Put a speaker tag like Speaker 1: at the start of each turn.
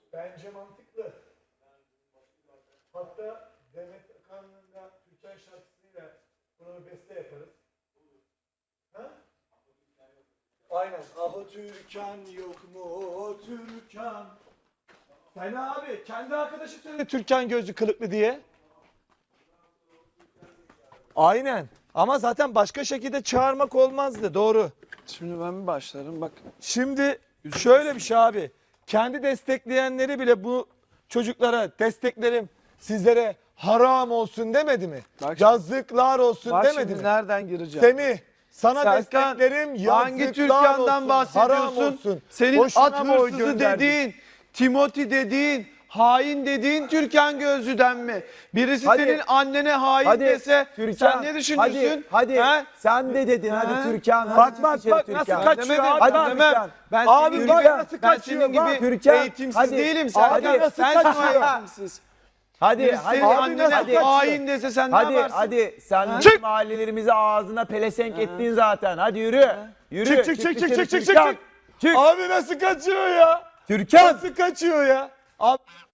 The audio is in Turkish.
Speaker 1: Bence mantıklı. Hatta Demet Akalın'ın da Türkan şarkısıyla buna bir beste yaparız. Ha? Aynen. Aho Türkan yok mu o Türkan? Fena abi. Kendi arkadaşı söyledi Türkan gözlü kılıklı diye. Aynen. Ama zaten başka şekilde çağırmak olmazdı. Doğru.
Speaker 2: Şimdi ben bir başlarım bak.
Speaker 1: Şimdi şöyle bir şey abi. Kendi destekleyenleri bile bu çocuklara desteklerim sizlere haram olsun demedi mi?
Speaker 2: Bak şimdi-
Speaker 1: Yazıklar olsun
Speaker 2: Bak
Speaker 1: demedi
Speaker 2: şimdi
Speaker 1: mi?
Speaker 2: nereden gireceğim?
Speaker 1: Semih sana
Speaker 2: Serkan,
Speaker 1: desteklerim yazıklar
Speaker 2: hangi Türkan'dan
Speaker 1: olsun, haram
Speaker 2: bahsediyorsun?
Speaker 1: olsun.
Speaker 2: Senin
Speaker 1: Boşuna
Speaker 2: at
Speaker 1: mı oy
Speaker 2: hırsızı
Speaker 1: gönderdin?
Speaker 2: dediğin, Timothy dediğin, hain dediğin Türkan Gözlü'den mi? Birisi
Speaker 3: Hadi.
Speaker 2: senin annene hain
Speaker 3: Hadi
Speaker 2: dese
Speaker 3: Türkan,
Speaker 2: sen ne düşünürsün?
Speaker 3: Hadi
Speaker 2: He?
Speaker 3: sen de dedin
Speaker 2: He?
Speaker 3: hadi Türkan.
Speaker 1: Bak
Speaker 3: hadi
Speaker 1: bak
Speaker 3: çık
Speaker 1: bak
Speaker 3: içeri
Speaker 1: nasıl
Speaker 3: Türkan.
Speaker 1: kaçıyor
Speaker 2: Demedim,
Speaker 1: abi.
Speaker 3: Hadi
Speaker 2: ben demem.
Speaker 3: Türkan.
Speaker 2: Ben
Speaker 1: Abi
Speaker 2: senin
Speaker 1: bak
Speaker 2: gibi,
Speaker 1: nasıl
Speaker 2: ben
Speaker 1: kaçıyor,
Speaker 2: senin
Speaker 1: bak.
Speaker 2: gibi
Speaker 3: Türkan,
Speaker 2: eğitimsiz
Speaker 3: hadi.
Speaker 2: değilim.
Speaker 3: Abi
Speaker 2: Serkan,
Speaker 1: nasıl
Speaker 2: sen
Speaker 1: kaçıyor?
Speaker 2: eğitimsiz.
Speaker 3: Hadi
Speaker 2: Birisi
Speaker 3: hadi
Speaker 2: senin
Speaker 1: abi
Speaker 2: annene
Speaker 1: nasıl kaçıyor?
Speaker 2: hain dese sen ne
Speaker 3: hadi
Speaker 2: yaparsın?
Speaker 3: hadi sen
Speaker 1: Çık!
Speaker 3: bizim mahallelerimizi ağzına pelesenk ettin zaten. Hadi yürü. Yürü.
Speaker 1: Çık çık çık çık
Speaker 3: dışarı
Speaker 1: çık çık
Speaker 3: Türkan.
Speaker 1: çık.
Speaker 3: Çık.
Speaker 1: Abi nasıl kaçıyor ya?
Speaker 3: Türkan.
Speaker 1: Nasıl kaçıyor ya? Abi